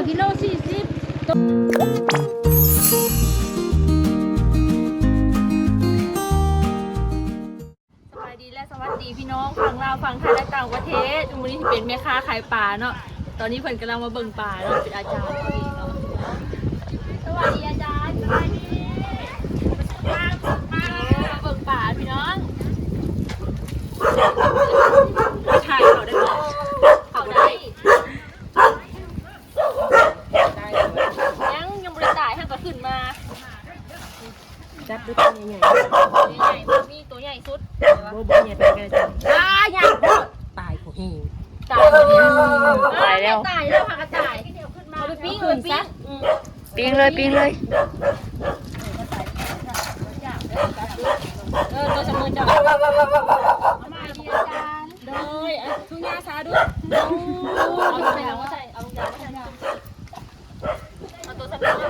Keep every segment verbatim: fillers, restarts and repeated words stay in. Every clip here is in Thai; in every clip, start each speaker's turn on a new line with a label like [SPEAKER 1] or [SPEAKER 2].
[SPEAKER 1] กิโลสี่สิบสบายดีและสวัสดีพี่น้องฝั่งลาวฝั่งไทยและต่างประเทศวันนี้ที่เป็นแม่ค้าขายปลาเนาะตอนนี้เพิ่นกำลังมาเบิ่งปลาเนาะเป็นอาจารย์พอดีเนาะสวัสดีอาจารย์สวัสดีมาเบิ่งปลาพี่น้องถ่ายเขาได้ไหมเขาได้ยังยังบริตายท่านก็ขึ้นมา
[SPEAKER 2] จับด้วยตัวใหญ่
[SPEAKER 1] ใหญ่ๆมีตัวใหญ่สุด
[SPEAKER 2] ๆโบโบใหญ่ไปกันจับตายใหญ่ตายกูเอง
[SPEAKER 1] ตายแล้ว
[SPEAKER 3] ตายแล้ว
[SPEAKER 1] ตายแล้วค่ะกระต่ายเอาไปปิ้งเอาไปปิ้ง
[SPEAKER 3] ปิ้งเลยปิ้งเลย
[SPEAKER 1] เออตัวสมุนจับมาดีอาจารย์โดยทุกยาซาด้วยเอาใส่เอาใส่เอายาใส่เอาตัวสมุน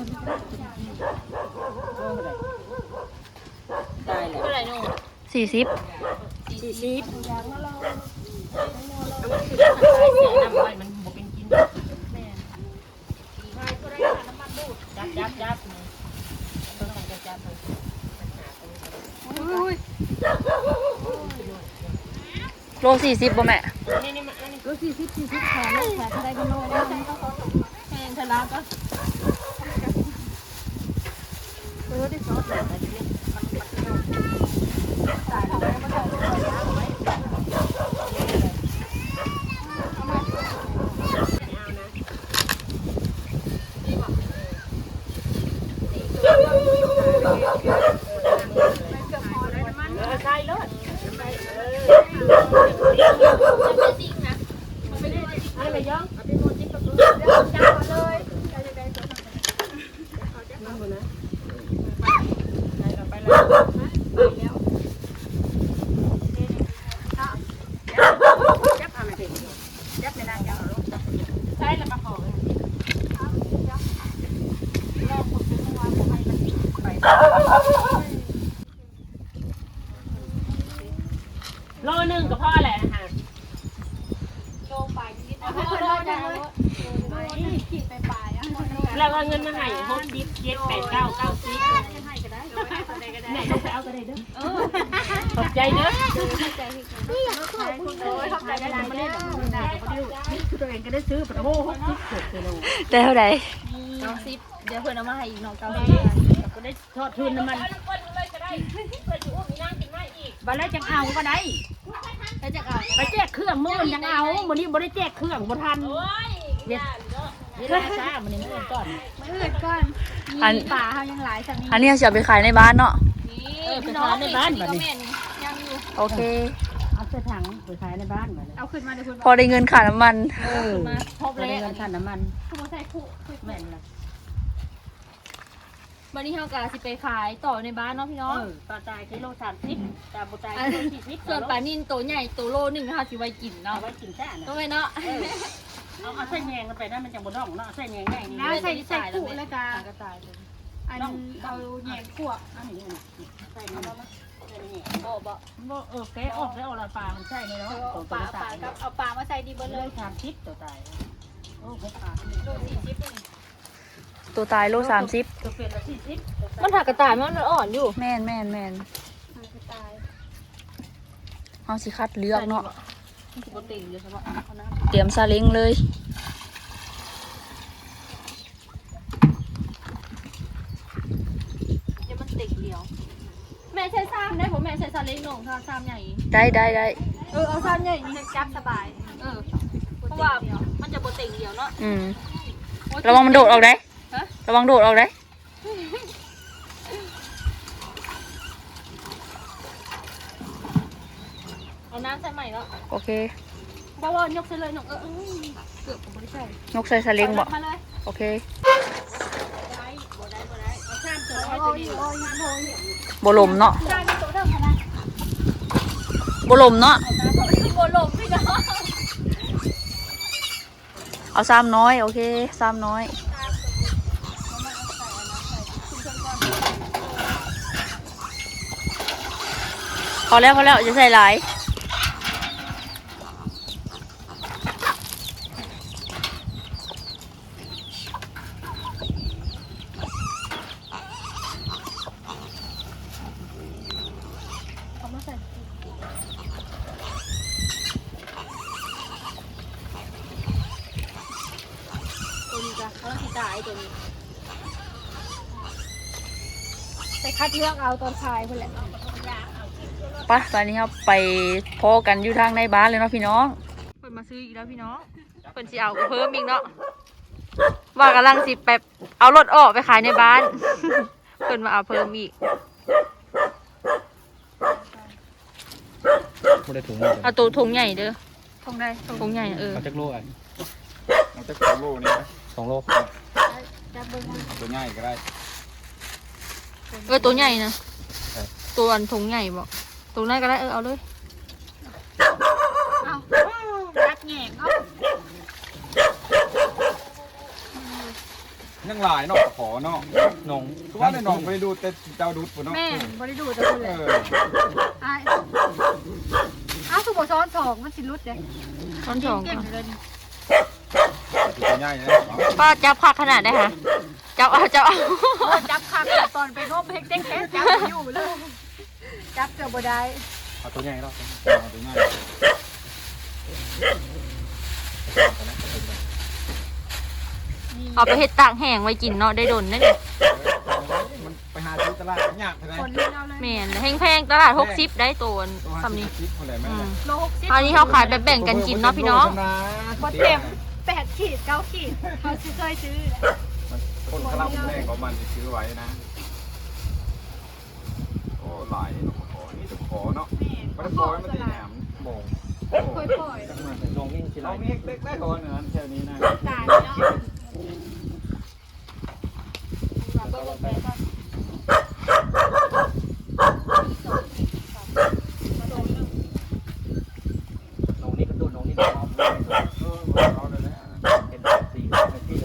[SPEAKER 2] ตายแล้ว
[SPEAKER 1] เท่าไหร่นู่น
[SPEAKER 3] สี่สิบ
[SPEAKER 2] สี่สิบน้ำมันมันบวเป็นกินจับจับจับต้องการจับจับ
[SPEAKER 3] โลสี่สิบบ่แม่
[SPEAKER 2] นี่นี่มาอันนี้
[SPEAKER 1] ก็สี่สิบสี่สิบแขนแขนได้กันโน่นแขนทะลักก็เออได้ซอสแบบนี้ตายแล้วมันจะ
[SPEAKER 2] ใช่เลยอะไรย่องเอาไปหมดจิ๊บกับตัวจับเลยนั่งบนนะไปแล้วไปแล้วจับอะไรดิจับในนางจับใช่แล้วมาขอโลหนึ่งกับพ่อแหละค่ะโลไปนิดๆโลจังเลยขีดไปปลายแล้วก็เงินมาให้หกสิบเจ็ดแปดเก้าเก้าสิบให้ก็ได้เนี่ยต้องไปเอาก็ได้เด้อขอบใจเด้อขอบใจที่ขอบคุณเลยขอบใจได้มาเล่นแบบนี้ได้ก็ได้ตัวเองก็ได้ซื้อโอ้โหหกสิบเจ็ดกิโล
[SPEAKER 3] ได้เท่าไหร่
[SPEAKER 1] เก้าสิบเดี๋ยวเพื่อนเอามาให้อีกน้องเก้าสิบ
[SPEAKER 2] ก็ได้ทอดทุนน้ำมันบัลลังก์จังเอาก็ได้ไปแจกเอาไปแจกเครื่องมือจังเอาวันนี้บ่ได้แจกเครื่องบ่ทันเดี๋ยวเดี๋ยวช้ามันนี่มือก่อนมือก่อนมีป่าเขายังหลายสักนิด
[SPEAKER 3] อันนี้จะไปขายในบ้านเนาะ
[SPEAKER 2] เออไปขายในบ้านบัดนี้
[SPEAKER 1] ยังอยู่
[SPEAKER 3] โอเค
[SPEAKER 2] เอาใส่ถังไปขายในบ้านบัดนี้
[SPEAKER 1] เอาขึ้นมาเดี๋ยวคุณ
[SPEAKER 3] พอได้เงินค่าน้ำมัน
[SPEAKER 2] เออ
[SPEAKER 1] มาพบ
[SPEAKER 2] บ่
[SPEAKER 1] เลย
[SPEAKER 2] ได้เงินค่าน้ำมัน
[SPEAKER 1] ขโมยใส่คู่
[SPEAKER 2] แม่นล่ะ
[SPEAKER 1] วันนี้เฮากะสิไปขายต่อในบ้านเนาะพี่น้อง
[SPEAKER 2] เออปลาตายกิโลสามสิบปลาบ่ตายกิโลสี่สิบ
[SPEAKER 1] ส่วนปลานินตัวใหญ่ตัวโลหนึ่งนะคะสิไว้กิน
[SPEAKER 2] เอา
[SPEAKER 1] เนาะ
[SPEAKER 2] ไว้กินแท้น่ะ
[SPEAKER 1] ตัวไว้เนาะ
[SPEAKER 2] เอาเอาใส่แยงกันไปนะมันจังบ่ร้องเนาะใส่แยงได้นี่
[SPEAKER 1] ใส่ใส่คู่แล้วก็ก็ตายเลย
[SPEAKER 2] อันเอาแยงคั่วอันนี้น่ะใส่นี่ใส่นี่
[SPEAKER 1] โอ้บ่
[SPEAKER 2] บ่เออแกะออกแล้วเอาละปลามันใช่นี่เนาะ
[SPEAKER 1] เอาปลาปลากับเอาปลามาใส่ดีเบิด
[SPEAKER 2] เล
[SPEAKER 1] เลย ย
[SPEAKER 2] สามสิบตัวตายโอ้หกปลา
[SPEAKER 1] โลสี่สิบ
[SPEAKER 3] ตัวตายโลสามสิบ
[SPEAKER 2] ตัวเป็นละสี่สิบ
[SPEAKER 1] มันถักกระต่ายมันอ่อนอยู่
[SPEAKER 3] แม่นแม่นแม่น
[SPEAKER 1] กระต่าย
[SPEAKER 3] เอาสิคัดเลือกเนาะ
[SPEAKER 1] มันปกติอยู่ใช่ปะ
[SPEAKER 3] เตรียมซาเล้งเลย
[SPEAKER 1] เดี๋ยวมันติดเดียวแม่ใช้ซ้ำได้ผมแม่ใช้ซาเล้งหน่งค่ะซ้ำใหญ่
[SPEAKER 3] ได้ได้ได้
[SPEAKER 1] เออเอาซ้ำใหญ่นี่จับสบายเออเพราะว่ามันจะโปรตีนเดียวเนาะ
[SPEAKER 3] อืมระวังมันโดดออกได้
[SPEAKER 1] ฮะ
[SPEAKER 3] ระวังโดดออกได้
[SPEAKER 1] เอาน้ำใส่ใหม่แล้ว
[SPEAKER 3] โอเค
[SPEAKER 1] เพราะว่ายกใส่เลยหนงเออเกือบผมไม่ได้ใส่
[SPEAKER 3] นกใส่ซาเล้งบ่
[SPEAKER 1] มาเลย
[SPEAKER 3] โอเค
[SPEAKER 1] ได้บ่ได้บ่ได้เอาข้ามตัวไว้ตัวนี้โอ้ยโอ้ย
[SPEAKER 3] บ่ลมเนาะ
[SPEAKER 1] ได้ไม่ตัวเดิมนะ
[SPEAKER 3] บ่ลมเนาะ
[SPEAKER 1] โบลมพี่น้อง
[SPEAKER 3] เอาซ้ำน้อยโอเคซ้ำน้อยพอแล้วพอแล้วจะใส่หลาย
[SPEAKER 1] ลังสิตายตัวนี้
[SPEAKER 4] ไปคัดเลือกเอาตอนชายเพื่อนแหละ
[SPEAKER 3] ไปตอนนี้ครับไปพอกันอยู่ทางในบ้านเลยเนาะพี่น้องเพิ่นมาซื้ออีกแล้วพี่น้องเพิ่นสิเอาเพิ่มอีกเนาะว่ากำลังสิไปเอารถออกไปขายในบ้าน เพิ่นมาเอาเพิ่มอีก
[SPEAKER 5] ไม่ได้ถุง
[SPEAKER 3] เอาตัวถุงใหญ่เด้อ
[SPEAKER 4] ทงได้ทง
[SPEAKER 3] ถุงใหญ่เออ
[SPEAKER 5] เอาจักโลอ่ะ
[SPEAKER 6] มันจะสองโลนี่นะ
[SPEAKER 5] สองโล
[SPEAKER 4] จับเบิ้งมา
[SPEAKER 6] เอาตัวง่ายก็ได้
[SPEAKER 3] เออตัวใหญ่นะตัวอันถุงใหญ่บอกตัวนั้นก็ได้เออเอาเลย
[SPEAKER 4] เอาจัดแหง่เอา
[SPEAKER 6] ยังหลายเนาะขอเนาะ
[SPEAKER 5] นง
[SPEAKER 6] คือว่าในน้องไปดูแต่เจ้าดูดปุ่นเนาะ
[SPEAKER 4] แม่บริดูแต่คน
[SPEAKER 6] เอ
[SPEAKER 4] เลย
[SPEAKER 6] อ
[SPEAKER 4] ไอ้เอาสุโขซ้อนสองมันสิรุดเลย
[SPEAKER 3] ช้อนสอง
[SPEAKER 4] เก่ง
[SPEAKER 3] ค่ะ
[SPEAKER 4] เลย
[SPEAKER 6] ตัวง่ายนะ
[SPEAKER 3] ป้าจับคักขนาดได้ค่ะจับเอาจับเอา
[SPEAKER 4] โอ้จับคักตอนไปร่วมเพลงเต้นแค่จับอยู่เลยจับเกือบบ่ได้
[SPEAKER 5] เอาตัวใหญ่แล้ว
[SPEAKER 6] เอาตัวง่าย
[SPEAKER 3] เอาไปเฮ็ดตากแห้งไว้กินเนาะได้ดนนั่นเอง
[SPEAKER 6] มันไปหาซื้อตลาดยากเท่าไหร่
[SPEAKER 4] คนเล่นเอาเลย
[SPEAKER 3] แม่นแพงๆตลาดหกสิบได้ตัว
[SPEAKER 6] ตัว
[SPEAKER 3] สำนี้
[SPEAKER 6] คิดเท่าไหร่แม่
[SPEAKER 3] อืม
[SPEAKER 4] โลหกสิบ
[SPEAKER 3] อันนี้เขาขายแบบแบ่งกันกินเนาะพี่น้อง
[SPEAKER 4] บดเต็มแปดขีดเก้าขีดเขาซื้อเคยซื้อแหละ
[SPEAKER 6] คนกระลำแรกของมันซื้อไว้นะโอ้หลายขอนี่จะขอเนาะ
[SPEAKER 4] แม่
[SPEAKER 6] มันขอมันตีแหนมโมง
[SPEAKER 4] ค่อยปล่อย
[SPEAKER 5] นงนี่สิไร
[SPEAKER 6] เรามีเล็กๆก่อนเนื้อแค่นี้นะ
[SPEAKER 4] ตายเนาะ
[SPEAKER 5] นงนี่ก็ตัวนงนี่น้อง
[SPEAKER 6] เออเอาเลยนะ
[SPEAKER 5] เป็นสี่นาทีเลย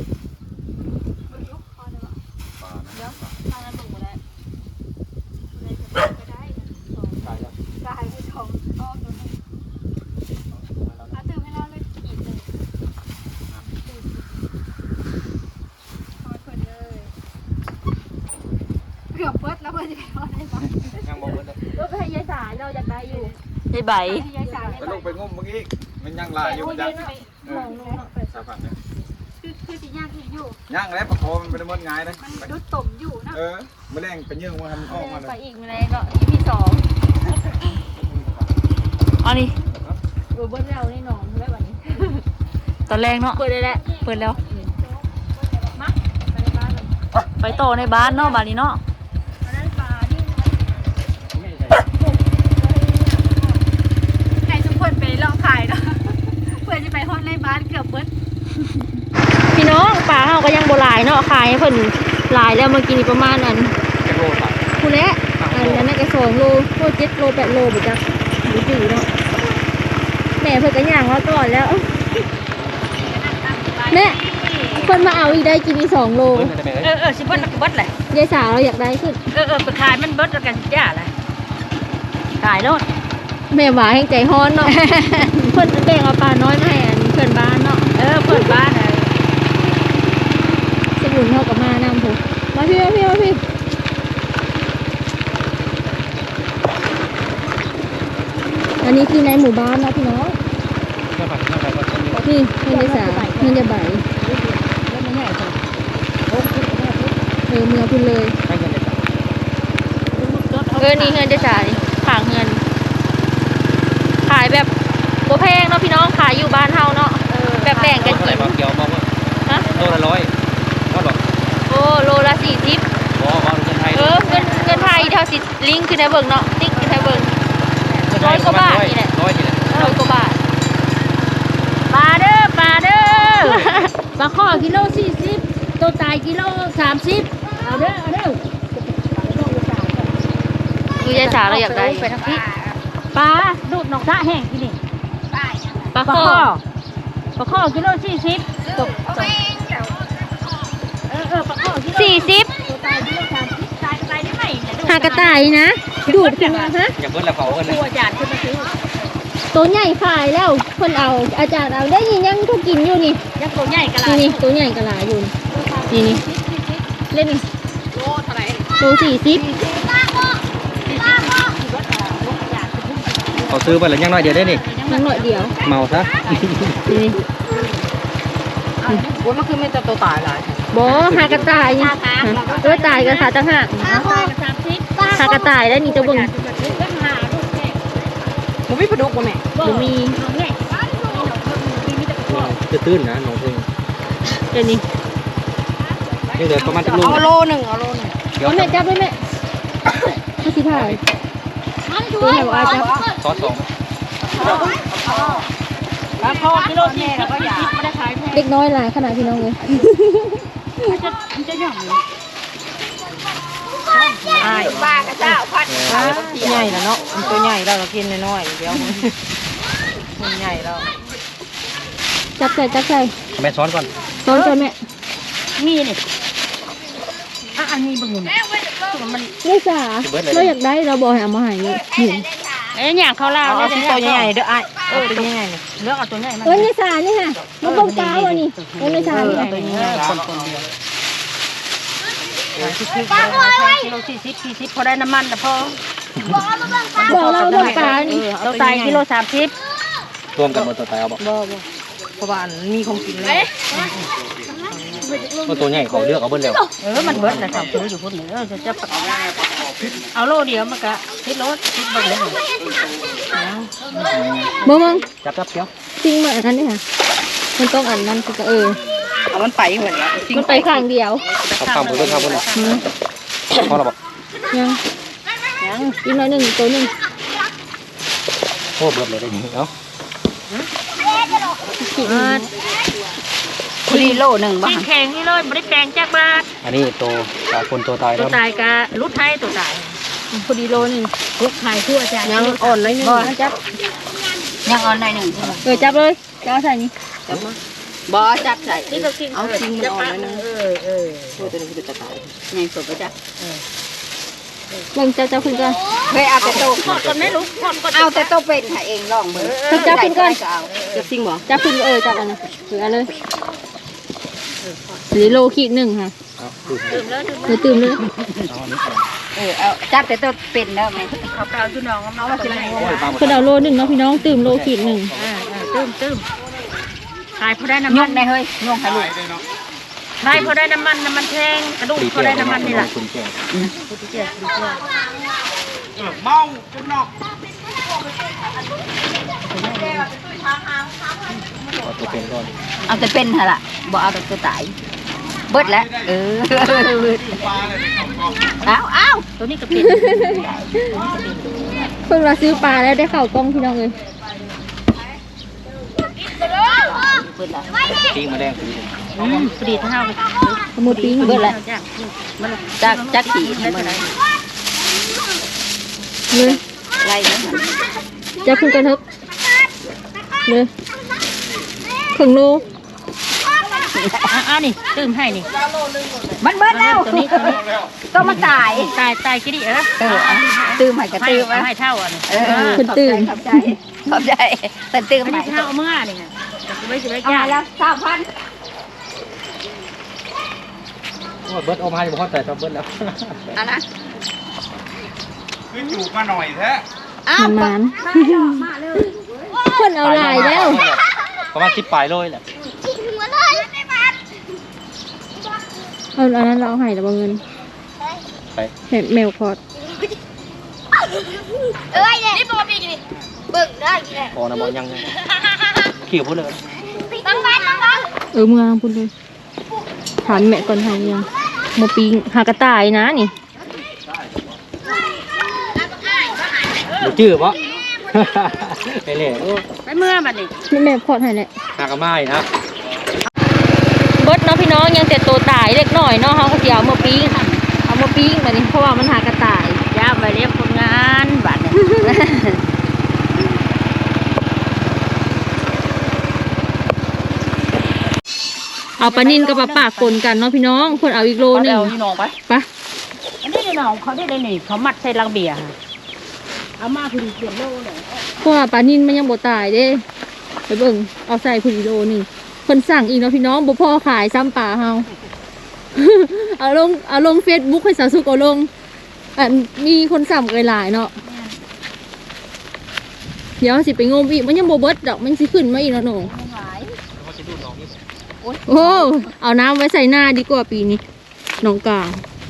[SPEAKER 6] ปลานะ
[SPEAKER 4] ทางนั้นลงมาแล้วไปได้
[SPEAKER 5] ตายแล้ว
[SPEAKER 4] กายผู้ชมชอบตัวนี้อาตื่นให้เราเลยขีดเลยทอดคนเลยเกือบเบิดแล้วเพื่อนจะไปทอดได้ปะ
[SPEAKER 5] ยังมองเลย
[SPEAKER 1] ก็ไปให้ยายสายเราอยากได้อยู่
[SPEAKER 3] ได้ใบ
[SPEAKER 4] ให้ยายสาว
[SPEAKER 6] แล้วลงไปงมเมื่อกี้มันยังลายอยู่จ้ะเออสาพันเนี่ย
[SPEAKER 4] คือคือสิย่างอีกอยู่
[SPEAKER 6] ย่างแล้วประคองมันเป็นมดง่ายนะ
[SPEAKER 4] มันดุดต่มอยู่นะ
[SPEAKER 6] เออแมลงไปยื่งมันทำออกมาเล
[SPEAKER 1] ไป
[SPEAKER 6] ย
[SPEAKER 1] อีกมาแล้วเนาะ อีพีสอง
[SPEAKER 3] เอานี่
[SPEAKER 1] เออเบิ้ลแล้วนี่น้องได้วันนี้
[SPEAKER 3] ตอนแรกเนาะ
[SPEAKER 1] เปิดได้แล้ว
[SPEAKER 3] เปิดแล้ว
[SPEAKER 1] มาไปในบ้านเลย
[SPEAKER 3] ไปต่อในบ้านเนาะบ้านนี้เนาะ
[SPEAKER 1] อันนั้นปลาที่
[SPEAKER 4] ใครทุกคนไปลองขายเนาะเพื่อจะไปฮอดในบ้านเกือบเบิด
[SPEAKER 3] พี่น้องปลาเฮาก็ยังบ่หลายเนาะขายให้เพิ่นหลายแล้วเมื่อกี้นี่ประมาณนั้น
[SPEAKER 5] จะโลสาม
[SPEAKER 3] คูแลอันนั้นน่ะก็สองโลโลเจ็ดโลแปดโลบ่จักดูจืดเนาะแม่เพิ่นก็ย่างมาก่อนแล้วแม่เพิ่นมาเอาอีกได้กินอีกสองโล
[SPEAKER 5] เบิ้ลจะเป็น
[SPEAKER 2] เออเออสิเบิ้ลเบิ้ลแหละ
[SPEAKER 3] ยายสาวเราอยากได้ขึ้น
[SPEAKER 2] เออเออไปขายมันเบิ้ลแล้วกันสิย่าแหละ
[SPEAKER 3] ขายโลดแม่หวาแห่งใจฮ้อนเนาะ เพิ่นแบ่งเอาปลาน้อยมาให้อันเพิ่นบ้านเนาะ
[SPEAKER 2] เออเปิดบ้านเลย
[SPEAKER 3] สมุนเฮากับมานำพุมาพี่มาพี่มาพี่อันนี้คือในหมู่บ้านเนาะพี่น้อง
[SPEAKER 5] ก็ผัดข้าวผัดข้าว
[SPEAKER 3] นี่เงินยายสาวเงินยายใบ
[SPEAKER 5] แล้วมันใหญ่จัง
[SPEAKER 3] เออเมือคุณเลย
[SPEAKER 5] ให้เงินเลยจ้ะ
[SPEAKER 3] เออนี่เงินยายสาวนี่ฝากเงิน ขายแบบบ่แพงเนาะพี่น้องขายอยู่บ้านเฮาเนาะแบบแบ่งกัน
[SPEAKER 5] เท่าไห
[SPEAKER 3] กิ
[SPEAKER 5] ร่
[SPEAKER 3] น
[SPEAKER 5] บางเกียวบอกว่า
[SPEAKER 3] ฮะ
[SPEAKER 5] โลละร้อยเท่าหรอ
[SPEAKER 3] โอ้โลละสี่สิบ
[SPEAKER 5] บอกว่าเงินไทย
[SPEAKER 3] เออเงินเงินไทยเท่าสิลิงก์คือในเบิ่งเนาะติ๊กคือในเบิ่งร้อยกว่าบาทนี่แหละ
[SPEAKER 5] ร้อยนี่แหละ
[SPEAKER 3] ร้อยกว่าบาท
[SPEAKER 2] ปลาเด้อปลาเด้อปลาข้อกิโลสี่สิบตัวตายกิโลสามสิบเอาเด้อเอาเด้อ
[SPEAKER 3] คือยายสาวเราอยากได้
[SPEAKER 2] ไปทางพี่ปลาดูดนกตะแห้งที่นี่
[SPEAKER 3] ปลา
[SPEAKER 2] ปลา
[SPEAKER 3] ข้อ
[SPEAKER 2] ข้อปลาข้อกิโลสี่สิบตกตกเออเออปลาข้อกิโล
[SPEAKER 3] สี่สิบ
[SPEAKER 2] ตัวตายกิโลสามสิบตายตายได้ไหมเนี่ยดู
[SPEAKER 3] หากระต่ายนะดูดขึ้นมาฮะ
[SPEAKER 5] อย่าเบิ้ลละเผาเงิน
[SPEAKER 2] ตัวจานขึ้นมาซื้อ
[SPEAKER 3] ตัวใหญ่ฝ่ายแล้วคนเอาอาจารย์เอาได้ยินยังเขากินอยู่นี่
[SPEAKER 2] ยังตัวใหญ่กะลา
[SPEAKER 3] นี่นี่ตัวใหญ่กระหลาอยู่นี่นี่เล่นนี่
[SPEAKER 2] โลเท่าไหร่
[SPEAKER 3] ตัวสี่สิบ
[SPEAKER 5] เขาซื้อไปแล้วยังน้อยเดียวได้นี่
[SPEAKER 3] ยังหน่อยเดียว
[SPEAKER 5] เมาซะ
[SPEAKER 3] นี่
[SPEAKER 4] โอ้ยมันคือไม่จะตัวตายหลาย
[SPEAKER 3] บ่หากระต่ายนี่เออตายกันค่ะจังหักหากระต่ายได้นี่จะเบิ่ง
[SPEAKER 4] มันไม่ปลาดุกบ่แม่
[SPEAKER 3] บ่มี
[SPEAKER 5] จะตื้นนะน้องเพิ่ง
[SPEAKER 3] เดี๋ยวนี้
[SPEAKER 5] นี่เหลือประมาณจะลูก
[SPEAKER 4] เอาโลหนึ่งเอาโลหนึ่ง
[SPEAKER 5] เดี๋ยว
[SPEAKER 3] เอาแม่จับด้วยแม่มาสิถ่ายตัวไหนว่าจับ
[SPEAKER 5] ซอสสอง
[SPEAKER 2] แล้วพอกิโลที่แล้วก็อยากไม่ได้ขายแพง
[SPEAKER 3] เล็กน้อยหลายขนาดพี่น้องเลย
[SPEAKER 2] จะจะหย่อนเลย
[SPEAKER 4] ปลากระเจ้าพัดใหญ่แล้วเนาะมันตัวใหญ่แล้วเรากินน้อยๆเดี๋ยวมันใหญ่แล้ว
[SPEAKER 3] จับใส่จับใส่
[SPEAKER 5] แม่ซ้อนก่อน
[SPEAKER 3] ตอนจนแม่
[SPEAKER 2] มีนี่อ่ะอันนี้บึงมันมัน
[SPEAKER 3] นี่สาเราอยากได้เราบอกให้เอามาให้เห็น
[SPEAKER 2] เอ้ยอย่างเขาลาว
[SPEAKER 4] เอาตัวใหญ่เด้อไอ้เอาตัวใหญ่
[SPEAKER 2] เลือกเอาตัวใหญ่มา
[SPEAKER 3] เอ้ยนี่สานี่ค่ะมาบงกาวอันนี้เอ้ยนี่สานี่
[SPEAKER 4] ตัวใหญ่คนคนเดียว
[SPEAKER 2] กิโลสี่สิบสี่สิบพอได้น้ำมันแต่พอ
[SPEAKER 3] บอกเราบงกาวนี่
[SPEAKER 2] เราตายกิโลสามสิบ
[SPEAKER 5] รวมกันหมดตัวตายเอาบอก
[SPEAKER 4] บ่บ่เพราะว่ามีของกินแล้ว
[SPEAKER 5] ตัวตัวใหญ่เขาเลือกเอาเบิ้ลแล้ว
[SPEAKER 2] เออมันเบิดนะสาวซื้ออยู่พุ่นเออจะจะเอาโลเดียวมันก็คิดรถคิดบ่เลย
[SPEAKER 3] บ่มึง
[SPEAKER 5] จับจับเกี้ยว
[SPEAKER 3] จริงเหมือนกันนี่ค่ะมันต้องอันนั้นคือก็เออ
[SPEAKER 4] เอามันไปเหมือนกัน
[SPEAKER 3] มันไปข้างเดียว
[SPEAKER 5] เขาข้ามผมเบิ้ลข้ามเบิ้ล
[SPEAKER 3] หืม
[SPEAKER 5] พอเราบอก
[SPEAKER 3] ยังยังอีกหน่อยหนึ่งตัวหนึ่ง
[SPEAKER 5] โอ้เบิ้ลเลยได้ยินเนาะ
[SPEAKER 3] ขีด
[SPEAKER 4] คุรีโลหนึ่งบ้า
[SPEAKER 2] กินแข็งนี่เลยไม่ได้แปลงจากบาท
[SPEAKER 5] อันนี้ตัวตาคนตัวตาย
[SPEAKER 2] ตั
[SPEAKER 5] แล้ว ว
[SPEAKER 2] ตายกะรุดไทยตัวตาย
[SPEAKER 3] พอดีโลหนึ่ง
[SPEAKER 2] รุดไทยทั่วจ้ะ
[SPEAKER 4] ยังอ่อนน้อยนึง
[SPEAKER 3] บ่จับ
[SPEAKER 4] ยังอ่อนน้อยหนึ่ง
[SPEAKER 3] เออจับเลยจะเอาใส่นี่
[SPEAKER 4] จับมาบ่จับใส่
[SPEAKER 2] นี่เรากิน
[SPEAKER 4] เอาจริงมันอ่อนน้อยนึง
[SPEAKER 2] เออเออ
[SPEAKER 4] ตัวนี้คือจะตายไงสดไปจ้ะ
[SPEAKER 3] เบิ่งจับจับขึ้นก่อน
[SPEAKER 4] เคยเอาแต่โต
[SPEAKER 2] ทอดก่อนไหมลูกทอดก่อน
[SPEAKER 4] เอาแต่โตเป็นค่ะเองลองเบิ่ง
[SPEAKER 3] จับขึ้นก่อน
[SPEAKER 4] จะซิงบ่
[SPEAKER 3] จับขึ้นเออจับอันนั้นถือเอาเลยหรือโลขีดหนึ่งค่ะ
[SPEAKER 5] เอาดู
[SPEAKER 2] ตื่มแล้ว
[SPEAKER 3] เดี๋ยวตื่มเลย
[SPEAKER 5] เอาอันนี้
[SPEAKER 4] เออเอาจับแต่โตเป็นแล้วแม่
[SPEAKER 2] เขาเปล่าจุน้องน้องมากินอะไร
[SPEAKER 5] โอ้ยปลาหมด
[SPEAKER 3] คนเอาโลหนึ่งเนาะพี่น้องตื่มโลขีดหนึ่ง
[SPEAKER 2] อ่าตื่มตื่มขายพอได้น้ำ
[SPEAKER 4] ย
[SPEAKER 2] มัน
[SPEAKER 4] กได้เฮ้ยยกให้ลูก
[SPEAKER 2] ได้พอได้น้ำมันน้ำมันแพงกระดูก
[SPEAKER 5] ตี
[SPEAKER 2] พอ
[SPEAKER 5] เจียว
[SPEAKER 2] ได้น้ำมันนี่แหละ
[SPEAKER 5] คุณเจียว
[SPEAKER 2] เจี๊ยบ
[SPEAKER 5] เอาตัวเป็นก่อน
[SPEAKER 4] เอาแต่เป็นหั่นล่ะบ่เอาแต่ตัวตายเบิดแล้วเออเอาเอา
[SPEAKER 2] ตัวนี้ก็เป็น
[SPEAKER 3] เพิ่งเราซื้อปลาแล้วได้เข่ากล้องพี่น้องเลย
[SPEAKER 4] เบิดแล้ว
[SPEAKER 5] ตีมาแดงตี
[SPEAKER 2] อืมปรีเท่ากัน
[SPEAKER 3] สมุดปิ้ง
[SPEAKER 4] เบิดแล้ว
[SPEAKER 2] จ้ะมัน
[SPEAKER 4] จักจักขี่
[SPEAKER 2] ได้
[SPEAKER 4] ให้
[SPEAKER 2] เท่า
[SPEAKER 4] มัน
[SPEAKER 2] ไหร่
[SPEAKER 3] เลย
[SPEAKER 4] ไล่มัน
[SPEAKER 3] จับขึ้นกันเถอะเลยถึงโล
[SPEAKER 2] อ่านี่ตื่มให้นี่
[SPEAKER 4] มันเบิดแล้ว
[SPEAKER 2] ตัวนี้ตัวนี้
[SPEAKER 4] ต้องมาตาย
[SPEAKER 2] ตายตายกี่ดิเออ
[SPEAKER 4] เออตื้มให้กระ
[SPEAKER 2] ให้
[SPEAKER 4] ตื้ม
[SPEAKER 2] ให้เท่าอ่ะนี่
[SPEAKER 4] เออขอบใจขอบใจขอบใจแต่ตื้ม
[SPEAKER 2] ไม่
[SPEAKER 4] ให้
[SPEAKER 2] ได้เท่าเมื่อนี่ไงไม่ใช่ไม่
[SPEAKER 4] เอา
[SPEAKER 2] ยาก
[SPEAKER 4] แล้วสามพัน
[SPEAKER 5] โอ้ยเบิ้ลเอามาให้บ่พอแต่ตัวเบิ้ลแล้ว
[SPEAKER 4] อันนะ
[SPEAKER 6] ขึ้นอยู่มาหน่อยแท้
[SPEAKER 4] อ้าว
[SPEAKER 3] มันมันคนเอาลายแล้ว
[SPEAKER 5] ประมาณสิบปลายโลยแหละ
[SPEAKER 3] เอาอันนั้นเราเอาให้แล้วบ่เงิน
[SPEAKER 5] ไป
[SPEAKER 3] เห็นแมวพอด
[SPEAKER 1] เอ้ยเนี่ยนี่ตัวปีกนี่เบิ่งได้กี่แหละ
[SPEAKER 5] พอนะบอยังขี่พูดเลย
[SPEAKER 1] ตั้งบ้านตั้งบ้าน
[SPEAKER 3] เออเมืองพุ่นเลยถามแม่ก่อนให้ยังโมปิงหากระต่ายนะนี่
[SPEAKER 5] หรือจื้อปะไปเลยโอ้
[SPEAKER 2] ไปเมื่อมันนี่
[SPEAKER 3] นี่แม่พอดให้แหละ
[SPEAKER 5] หากระไม้นะ
[SPEAKER 3] เบิดเนาะพี่น้องยังแต่ตัวตายเล็กหน่อยเนาะเขาก็สิเอามาปิ้งเอามาปิ้งแบบนี้เพราะว่ามันหากระต่าย
[SPEAKER 2] ย่าไปเรียกคนงานบัตร
[SPEAKER 3] เอาปลานินกับปลาปากปนกันเนาะพี่น้องคนเอาอีกโลหนึง
[SPEAKER 4] เอาที่น้องไป
[SPEAKER 3] ไป
[SPEAKER 2] อันนี้น้องเขาได้เลยนี่เขามัดใส่ลังเบียร์เอามาคือเปลี่ยนโลเลย
[SPEAKER 3] เพราะว่าปลานินมันยังบ่ตายเด้ไปเบิ่งเอาใส่พุ่นอีกโลหนึงคนสั่งอีกเนาะพี่น้องบ่พอขายซ้ำปลาเฮา เอาลงเอาลงเฟซบุ๊กให้สาวสุกเอาลงอันมีคนสั่งเกยหลายเนาะเดี๋ยวสิไปงมอีกมันยังบ่เบิดดอกมันสิขึ้นมาอีกเนาะหนู
[SPEAKER 1] โอ้ย
[SPEAKER 3] โอ้เอาน้ำไว้ใส่หน้าดีกว่าปีนี้น้องกลาง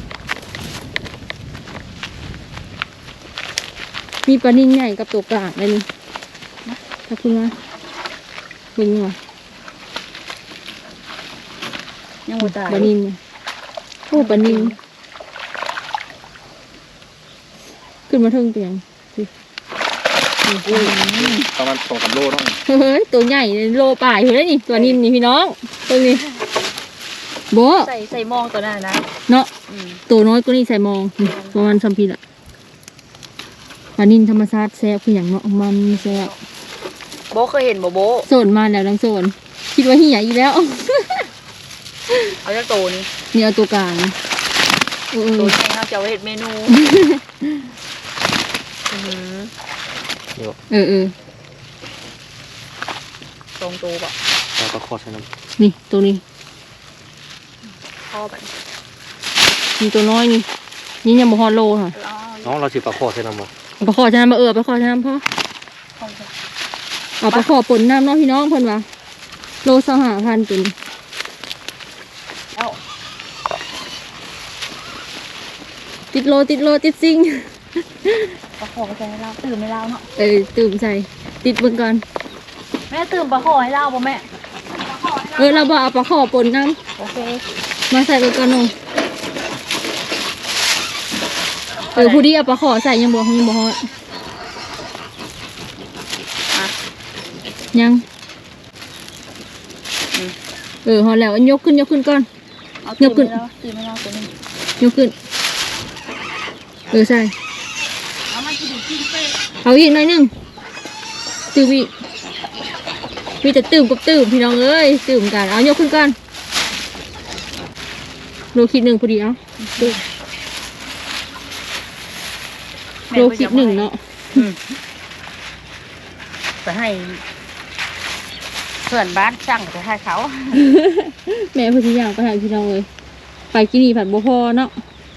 [SPEAKER 3] มีปลานิ่งใหญ่กับตัวกลางเลยนี่ถ้าคุณว่าคุณว่า
[SPEAKER 4] ยังบ่ตาย
[SPEAKER 3] ปลานิ่งเนี่ยโอ้ปลานิ่งขึ้นมาเทิงเตียงสิ
[SPEAKER 6] ประมาณสองสามโลเนาะ
[SPEAKER 3] เฮ้ยตัวใหญ่เลยโลป่ายอยู่แล้วนี่ตัวนิ่มนี่พี่น้องตัวนี้โบะ
[SPEAKER 4] ใส่ใส่มองตัวนั้นนะ
[SPEAKER 3] เนาะตัวน้อยก็นี่ใส่มองนี่ประมาณสามปีละปลานิ่มธรรมชาติแซ่บคืออย่างเนาะมันแซ่บ
[SPEAKER 4] โบเคยเห็นบ่โบ
[SPEAKER 3] โซนมาแล้วดังโซนคิดว่าเหี่ยอีกแล้ว
[SPEAKER 4] เอาจากโตนี่
[SPEAKER 3] นี่เอาตัวกลางเออ
[SPEAKER 4] โตนี่ครับจะเอาเฮ็ดเมนูอือ
[SPEAKER 3] เออเออ
[SPEAKER 4] ตรงตัวบ่
[SPEAKER 5] แล้วก็ขอใส่น้
[SPEAKER 3] นี่ตัวนี้
[SPEAKER 4] พ่อบัด
[SPEAKER 3] มีตัวน้อยนี่นี่ยังบ่ฮอดโลค่ะ
[SPEAKER 5] ำน้องเราสิปลาขอใส่น้ำบ่
[SPEAKER 3] เอาไปขอชนะมาเออไปขอชนะพ่อเอาไปขอปนน้ำเน้องพี่น้องเพิ่นว่าโลสหาพันเป็น
[SPEAKER 4] เอ้า
[SPEAKER 3] ติดโลติดโลติดซิง
[SPEAKER 4] ปลาขอใส่ให้เราตื่นไม่เล่าเนาะ
[SPEAKER 3] เออตื่มใส่ติดเบิ่งก่อน
[SPEAKER 4] แม่ตื่นปลาขอให้เล่าบ่แม่
[SPEAKER 3] เออเราบ่เอาไปขอปนน้
[SPEAKER 4] โอเค
[SPEAKER 3] ำมาใส่เบิ่งก่อนหนูเออผู้ที่เอาไปขอใส่ยังบ่ยังบ่ฮอดยังเออฮอดแล้วยกขึ้นยกขึ้นก่อน
[SPEAKER 4] เอา
[SPEAKER 3] ยกขึ้น
[SPEAKER 4] ตื่นไม่เล่าตื่นไม่เล่าตัวนี้
[SPEAKER 3] ยกขึ้นเออใส่
[SPEAKER 1] เอามันจะดูกินเป๊ะ
[SPEAKER 3] เอาอีกหน่อยหนึงตื่มอีกมีแต่ตื่มกับตื่มพี่น้องเอ้ยตื่มกันเอายกขึ้นก่อนโลคิดหนึ่งพอดีเอาตื่มโลคิดหนึ่งเนาะ
[SPEAKER 4] ไปให้เพื่อนบ้านสั่งไปให้เขา
[SPEAKER 3] แม่พอดีอย่างไปหาพี่น้องเลยไปกินนี่ผัดบัวพอเนาะ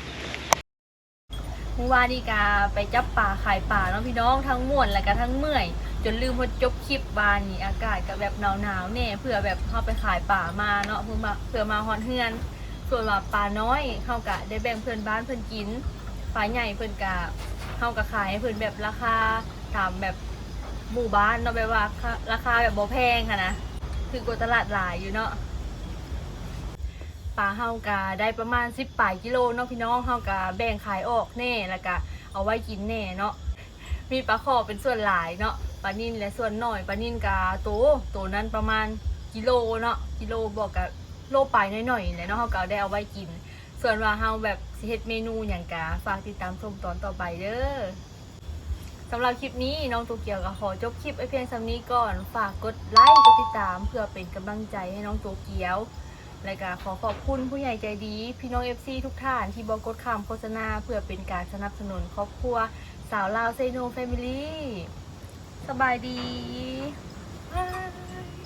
[SPEAKER 1] เมื่อวานนี่กาไปจับป่าขายป่าเนาะพี่น้องทั้งม่วนและก็ทั้งเมื่อย จนลืมพอจบคลิปบานนี่อากาศก็แบบหนาวๆแน่เพื่อแบบเข้าไปขายป่ามาเนาะเพื่อมาเพื่อมาฮอนเฮือน ส่วนว่าป่าน้อยเข้ากะได้แบ่งเพื่อนบ้านเพื่อนกินป่าใหญ่เพื่อนกะเข้ากะขายให้เพื่อนแบบราคาตามแบบหมู่บ้านเนาะแบบว่าราคาแบบบ่แพงค่ะนะคือกว่าตลาดหลายอยู่เนาะปลาเฮากะได้ประมาณสิบปลายกิโลเนาะพี่น้องเฮากะแบ่งขายออกแน่แล้วก็เอาไว้กินแน่เนาะมีปลาขอเป็นส่วนหลายเนาะปลานิ่นและส่วนน้อยปลานิ่นกะโตโตนั้นประมาณกิโลเนาะกิโลบอกกะโลปลายหน่อยๆแหละเนาะเฮากะได้เอาไว้กิน ส่วนว่าเฮาแบบสิเฮ็ดเมนูอย่างกะฝากติดตามชมตอนต่อไปเด้อสำหรับคลิปนี้น้องโตเกียวก็ขอจบคลิปไว้เพียงสำนี้ก่อนฝากกดไลค์กดติดตามเพื่อเป็นกำลังใจให้น้องโตเกียวและก็ขอขอบคุณผู้ใหญ่ใจดีพี่น้อง เอฟ ซี ทุกท่านที่บอกกดคำโฆษณาเพื่อเป็นการสนับสนุนครอบครัวสาวลาวเซโนแฟมิลี่สบายดีบ๊าย